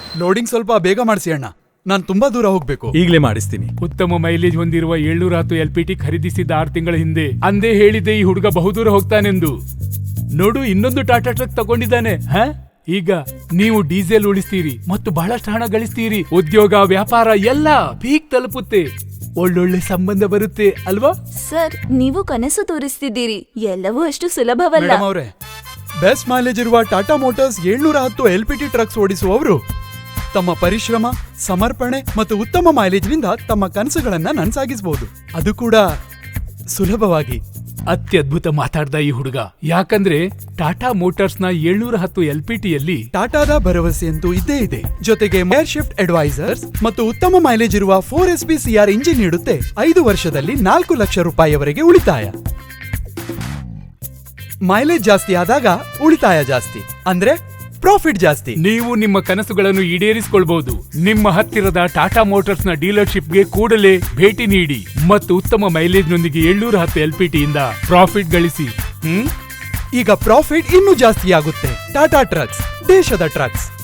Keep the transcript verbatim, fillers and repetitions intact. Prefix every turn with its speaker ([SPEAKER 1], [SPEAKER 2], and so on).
[SPEAKER 1] Loading ಸ್ವಲ್ಪ ಬೇಗ ಮಾಡಿಸಿ ಅಣ್ಣ, ನಾನ್ ತುಂಬಾ ದೂರ ಹೋಗ್ಬೇಕು.
[SPEAKER 2] ಈಗಲೇ ಮಾಡಿಸ್ತೀನಿ.
[SPEAKER 3] ಉತ್ತಮ ಮೈಲೇಜ್ ಹೊಂದಿರುವ ಏಳ್ನೂರ ಹತ್ತು ಎಲ್ ಪಿ ಟಿ ಖರೀದಿಸಿದ ಆರು ತಿಂಗಳ ಹಿಂದೆ ಅಂದೇ ಹೇಳಿದೆ ಈ ಹುಡುಗ ಬಹುದೂರ ಹೋಗ್ತಾನೆಂದು. ನೋಡು, ಇನ್ನೊಂದು ಟಾಟಾ ಟ್ರಕ್ ತಗೊಂಡಿದ್ದಾನೆ. ಹ ಈಗ ನೀವು ಡೀಸೆಲ್ ಉಳಿಸ್ತೀರಿ ಮತ್ತು ಬಹಳಷ್ಟು ಹಣ ಗಳಿಸ್ತೀರಿ. ಉದ್ಯೋಗ, ವ್ಯಾಪಾರ ಎಲ್ಲ ಪೀಕ್ ತಲುಪುತ್ತೆ. ಒಳ್ಳೊಳ್ಳೆ ಸಂಬಂಧ ಬರುತ್ತೆ ಅಲ್ವಾ?
[SPEAKER 4] ಸರ್, ನೀವು ಕನಸು ತೋರಿಸ್ತಿದ್ದೀರಿ. ಎಲ್ಲವೂ ಅಷ್ಟು ಸುಲಭವಲ್ಲ.
[SPEAKER 1] ಮೇಡಮ್ ಅವರೇ, ಬೆಸ್ಟ್ ಮೈಲೇಜ್ ಇರುವ ಟಾಟಾ ಮೋಟಾರ್ಸ್ ಏಳ್ನೂರ ಹತ್ತು ಎಲ್ ಪಿ ಟಿ ಟ್ರಕ್ಸ್ ಓಡಿಸುವವರು ತಮ್ಮ ಪರಿಶ್ರಮ, ಸಮರ್ಪಣೆ ಮತ್ತು ಉತ್ತಮ ಮೈಲೇಜ್ನಿಂದ ತಮ್ಮ ಕನಸುಗಳನ್ನ ನನಸಾಗಿಸಬಹುದು, ಅದು ಕೂಡ ಸುಲಭವಾಗಿ.
[SPEAKER 3] ಅತ್ಯದ್ಭುತ ಮಾತಾಡ್ದ ಈ ಹುಡುಗ. ಯಾಕಂದ್ರೆ ಟಾಟಾ ಮೋಟಾರ್ಸ್ ನ ಏಳ್ನೂರ ಹತ್ತು ಎಲ್ ಪಿ ಟಿಯಲ್ಲಿ
[SPEAKER 1] ಟಾಟಾದ ಭರವಸೆಯಂತೂ ಇದ್ದೇ ಇದೆ. ಜೊತೆಗೆ ಮೇರ್ ಶಿಫ್ಟ್ ಅಡ್ವೈಸರ್ಸ್ ಮತ್ತು ಉತ್ತಮ ಮೈಲೇಜ್ ಇರುವ four S P CR engine ನೀಡುತ್ತೆ. ಐದು ವರ್ಷದಲ್ಲಿ ನಾಲ್ಕು ಲಕ್ಷ ರೂಪಾಯಿವರೆಗೆ ಉಳಿತಾಯ. ಮೈಲೇಜ್ ಜಾಸ್ತಿ ಆದಾಗ ಉಳಿತಾಯ ಜಾಸ್ತಿ, ಅಂದ್ರೆ ಪ್ರಾಫಿಟ್ ಜಾಸ್ತಿ.
[SPEAKER 3] ನೀವು ನಿಮ್ಮ ಕನಸುಗಳನ್ನು ಈಡೇರಿಸಿಕೊಳ್ಬಹುದು. ನಿಮ್ಮ ಹತ್ತಿರದ ಟಾಟಾ ಮೋಟಾರ್ಸ್ ನ ಡೀಲರ್ಶಿಪ್ಗೆ ಕೂಡಲೇ ಭೇಟಿ ನೀಡಿ ಮತ್ತು ಉತ್ತಮ ಮೈಲೇಜ್ ನೊಂದಿಗೆ ಏಳ್ನೂರ ಹತ್ತು ಎಲ್ ಪಿ ಟಿ ಇಂದ ಪ್ರಾಫಿಟ್ ಗಳಿಸಿ. ಹ್ಮ್
[SPEAKER 1] ಈಗ ಪ್ರಾಫಿಟ್ ಇನ್ನೂ ಜಾಸ್ತಿ ಆಗುತ್ತೆ. ಟಾಟಾ ಟ್ರಕ್ಸ್, ದೇಶದ ಟ್ರಕ್ಸ್.